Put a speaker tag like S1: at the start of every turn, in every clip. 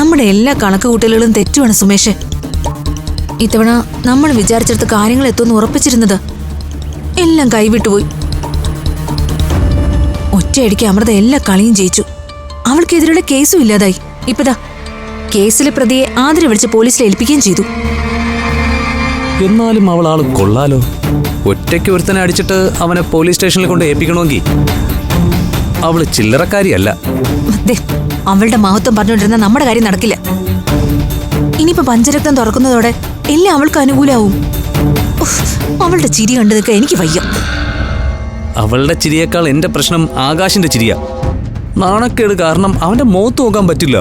S1: നമ്മുടെ എല്ലാ കണക്കുകൂട്ടലുകളും തെറ്റുമാണ് സുമേഷ്. ഇത്തവണ നമ്മൾ വിചാരിച്ചെടുത്ത കാര്യങ്ങൾ എത്തുമെന്ന് ഉറപ്പിച്ചിരുന്നത് എല്ലാം കൈവിട്ടുപോയി. ഒറ്റയടിക്ക് അമൃത എല്ലാ കളിയും ജയിച്ചു. അവൾക്കെതിരെയുള്ള കേസും ഇല്ലാതായി. ഇപ്പതാ കേസിലെ പ്രതിയെ ആതിര വിളിച്ച് പോലീസിൽ ഏൽപ്പിക്കുകയും ചെയ്തു.
S2: എന്നാലും അവൾ ആള് കൊള്ളാലോ. ഒറ്റയ്ക്ക് ഒരുത്തനെ അടിച്ചിട്ട് അവനെ പോലീസ് സ്റ്റേഷനിൽ കൊണ്ട് ഏൽപ്പിക്കണമെങ്കിൽ അവള് ചില്ലറക്കാരിയല്ല.
S1: അവളുടെ മഹത്വം പറഞ്ഞുകൊണ്ടിരുന്ന നമ്മുടെ കാര്യം നടക്കില്ല. ഇനിയിപ്പോ പഞ്ചരക്തം തുറക്കുന്നതോടെ എല്ലാം അവൾക്ക് അനുകൂലമാവും. അവളുടെ ചിരി കണ്ടു നിൽക്കാൻ എനിക്ക് വയ്യ.
S2: അവളുടെ ചിരിയേക്കാൾ എന്റെ പ്രശ്നം ആകാശിന്റെ ചിരിയാ. നാണക്കേട് കാരണം അവന്റെ മുഖത്ത് നോക്കാൻ പറ്റില്ല.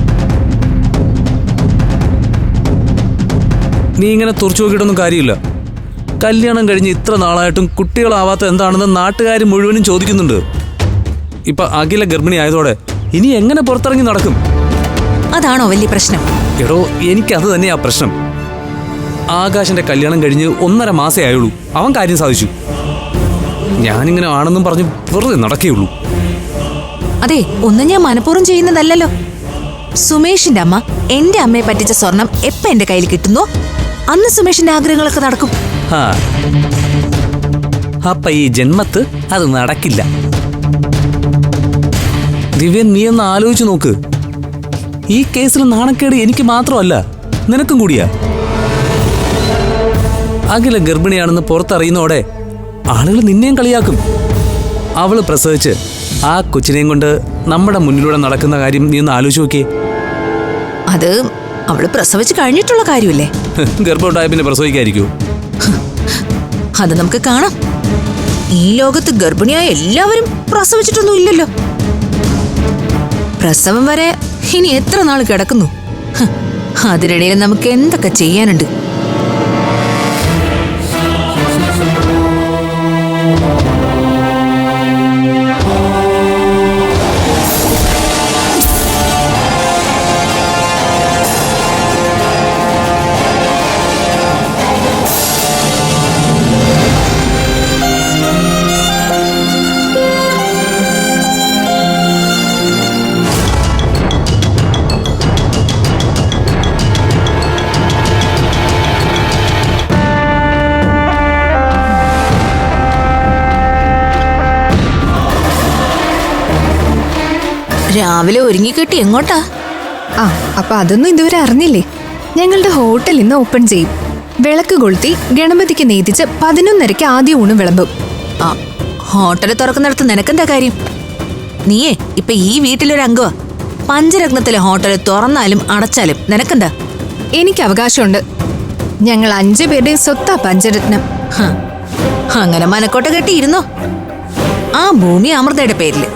S2: നീ ഇങ്ങനെ തുറച്ചു നോക്കിയിട്ടൊന്നും കാര്യമില്ല. കല്യാണം കഴിഞ്ഞ് ഇത്ര നാളായിട്ടും കുട്ടികളാവാത്ത എന്താണെന്ന് നാട്ടുകാർ മുഴുവനും ചോദിക്കുന്നുണ്ട്. ഇപ്പൊ അഖില ഗർഭിണി ആയതോടെ ഇനി എങ്ങനെ പുറത്തിറങ്ങി നടക്കും?
S1: അതാണോ വലിയ പ്രശ്നം?
S2: എടോ, എനിക്കത് തന്നെയാ പ്രശ്നം. ആകാശിന്റെ കല്യാണം കഴിഞ്ഞ് 1.5 മാസേ ആയുള്ളൂ. അവൻ കാര്യം സാധിച്ചു. ഞാനിങ്ങനെ ആണെന്നും പറഞ്ഞു വെറുതെ നടക്കേയുള്ളൂ.
S1: അതെ, ഒന്നും ഞാൻ മനഃപൂർവ്വം ചെയ്യുന്നതല്ലല്ലോ. സുമേഷിന്റെ അമ്മ എന്റെ അമ്മയെ പറ്റിച്ച സ്വർണം എപ്പ എന്റെ കയ്യിൽ കിട്ടുന്നോ അന്ന് സുമേഷിന്റെ ആഗ്രഹങ്ങളൊക്കെ നടക്കും.
S2: അപ്പൊ ഈ ജന്മത്ത് അത് നടക്കില്ല. ദിവ്യൻ, നീ ഒന്ന് ആലോചിച്ചു നോക്ക്. ഈ കേസിൽ നാണക്കേട് എനിക്ക് മാത്രമല്ല, നിനക്കും കൂടിയാ. അഖില ഗർഭിണിയാണെന്ന് പുറത്തറിയുന്നോടെ ആളുകൾ നിന്നെയും കളിയാക്കും. അവള് പ്രസവിച്ച് ആ കൊച്ചിനെയും കൊണ്ട് നമ്മുടെ മുന്നിലൂടെ നടക്കുന്ന കാര്യം നീ ഒന്ന് ആലോചിച്ച് നോക്കിയേ.
S1: അത് അവള് പ്രസവിച്ച് കഴിഞ്ഞിട്ടുള്ള കാര്യമല്ലേ?
S2: ഗർഭമുണ്ടായ പിന്നെ പ്രസവിക്കായിരിക്കൂ?
S1: അത് നമുക്ക് കാണാം. ഈ ലോകത്ത് ഗർഭിണിയായ എല്ലാവരും പ്രസവിച്ചിട്ടൊന്നും ഇല്ലല്ലോ. പ്രസവം വരെ ഇനി എത്ര നാൾ കിടക്കുന്നു. അതിനിടയിൽ നമുക്ക് എന്തൊക്കെ ചെയ്യാനുണ്ട്. രാവിലെ ഒരുങ്ങിക്കെട്ടി എങ്ങോട്ടാ?
S3: അപ്പൊ അതൊന്നും ഇതുവരെ അറിഞ്ഞില്ലേ? ഞങ്ങളുടെ ഹോട്ടൽ ഇന്ന് ഓപ്പൺ ചെയ്യും. വിളക്ക് കൊളുത്തി ഗണപതിക്ക് നീതിച്ച് 11:30 ആദ്യ ഊണ് വിളമ്പും.
S1: ഹോട്ടല് തുറക്കുന്നിടത്ത് നിനക്കെന്താ കാര്യം? നീയേ ഇപ്പൊ ഈ വീട്ടിലൊരു അംഗമാ. പഞ്ചരത്നത്തിലെ ഹോട്ടല് തുറന്നാലും അടച്ചാലും നിനക്കെന്താ?
S3: എനിക്ക് അവകാശമുണ്ട്. ഞങ്ങൾ 5 പേരുടെയും സ്വത്താ പഞ്ചരത്നം.
S1: അങ്ങനെ മനക്കോട്ട കെട്ടിയിരുന്നോ? ആ ഭൂമി അമൃതയുടെ പേരില്,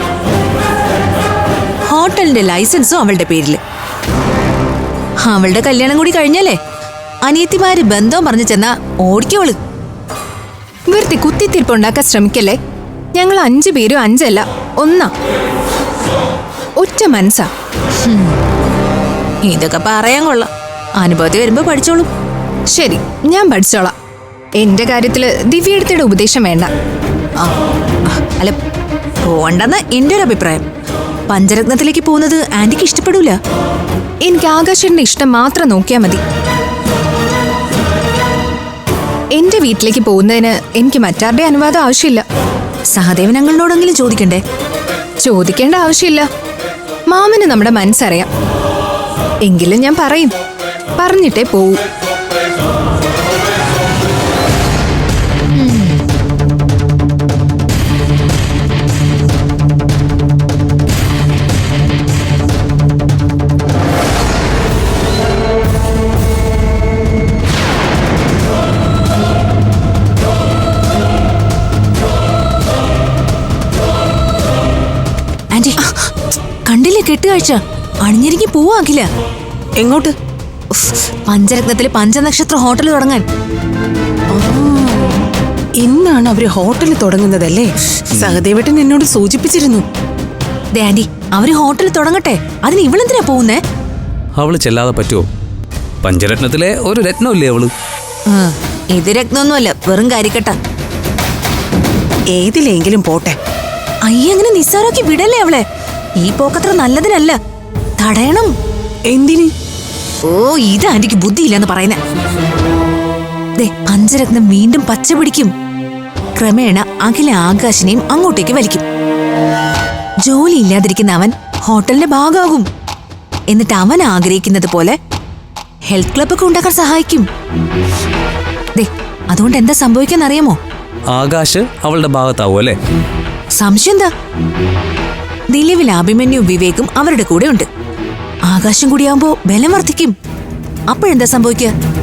S1: ഹോട്ടലിന്റെ ലൈസൻസും അവളുടെ പേരില്. അവളുടെ കല്യാണം കൂടി കഴിഞ്ഞല്ലേ അനിയത്തിമാര് ബന്ധവും പറഞ്ഞു ചെന്നാ ഓടിക്കോള്.
S3: വെറുതെ കുത്തിത്തിരിപ്പുണ്ടാക്കാൻ ശ്രമിക്കല്ലേ. ഞങ്ങൾ 5 പേരും 5 അല്ല, 1. ഒറ്റ മനസ്സാ.
S1: ഇതൊക്കെ പറയാൻ കൊള്ളാം. അനുഭവത്തിൽ വരുമ്പോ പഠിച്ചോളൂ.
S3: ശരി, ഞാൻ പഠിച്ചോളാം. എന്റെ കാര്യത്തില് ദിവ്യയുടെ ഉപദേശം വേണ്ട.
S1: അല്ല, പോണ്ടെന്ന് എന്റെ ഒരു അഭിപ്രായം. പഞ്ചരത്നത്തിലേക്ക് പോകുന്നത് ആന്റിക്ക് ഇഷ്ടപ്പെടൂല.
S3: എനിക്ക് ആകാശന്റെ ഇഷ്ടം മാത്രം നോക്കിയാൽ മതി. എന്റെ വീട്ടിലേക്ക് പോകുന്നതിന് എനിക്ക് മറ്റാരുടെ അനുവാദം ആവശ്യമില്ല.
S1: സഹദേവൻ അങ്കിളിനോടെങ്കിലും ചോദിക്കണ്ടേ?
S3: ചോദിക്കേണ്ട ആവശ്യമില്ല. മാമന് നമ്മുടെ മനസ്സറിയാം. എങ്കിലും ഞാൻ പറയും, പറഞ്ഞിട്ടേ പോവൂ.
S1: കണ്ടില്ലേ കെട്ടുകാഴ്ച? അണിഞ്ഞിരിക്കി പോവാക്കില്ല.
S4: എങ്ങോട്ട്?
S1: പഞ്ചരത്നത്തില് പഞ്ചനക്ഷത്ര ഹോട്ടൽ തുടങ്ങാൻ.
S4: ഇന്നാണ് അവര് ഹോട്ടൽ തുടങ്ങുന്നതല്ലേ? സഹദേവേട്ടൻ എന്നോട് സൂചിപ്പിച്ചിരുന്നു.
S1: ആന്റി, അവര് ഹോട്ടൽ തുടങ്ങട്ടെ. അതിന് ഇവളെന്തിനാ പോകുന്നേ?
S2: അവള് ചെല്ലാതെ പറ്റുമോ? പഞ്ചരത്നത്തിലെ ഒരു രത്നമില്ലേ അവള്?
S1: ഇത് രത്നമൊന്നുമല്ല, വെറും കരിക്കട്ട.
S4: ഏതിലെങ്കിലും പോട്ടെ.
S1: അയ്യങ്ങനെ നിസ്സാരാക്കി വിടല്ലേ അവളെ. ഈ പോക്കത്ര നല്ലതിനല്ല, തടയണം.
S4: എന്തിന്?
S1: ഓ ഇത് ആന്റിക്ക് ബുദ്ധിയില്ലെന്ന് പറയുന്നേ. ദേ പഞ്ചരത്നം വീണ്ടും പച്ച പിടിക്കും. ക്രമേണ അഖില ആകാശിനെയും അങ്ങോട്ടേക്ക് വലിക്കും. ജോലി ഇല്ലാതിരിക്കുന്ന അവൻ ഹോട്ടലിന്റെ ഭാഗമാകും. എന്നിട്ട് അവൻ ആഗ്രഹിക്കുന്നത് പോലെ ഹെൽത്ത് ക്ലബൊക്കെ ഉണ്ടാക്കാൻ സഹായിക്കും. ദേ അതുകൊണ്ട് എന്താ സംഭവിക്കാന്നറിയാമോ?
S2: ആകാശ് അവളുടെ ഭാഗത്താവും അല്ലേ?
S1: സംശയം എന്താ? നിലവിൽ അഭിമന്യു വിവേകും അവരുടെ കൂടെ ഉണ്ട്. ആകാശം കൂടിയാവുമ്പോ ബലം വർദ്ധിക്കും. അപ്പോഴെന്താ സംഭവിക്കുക?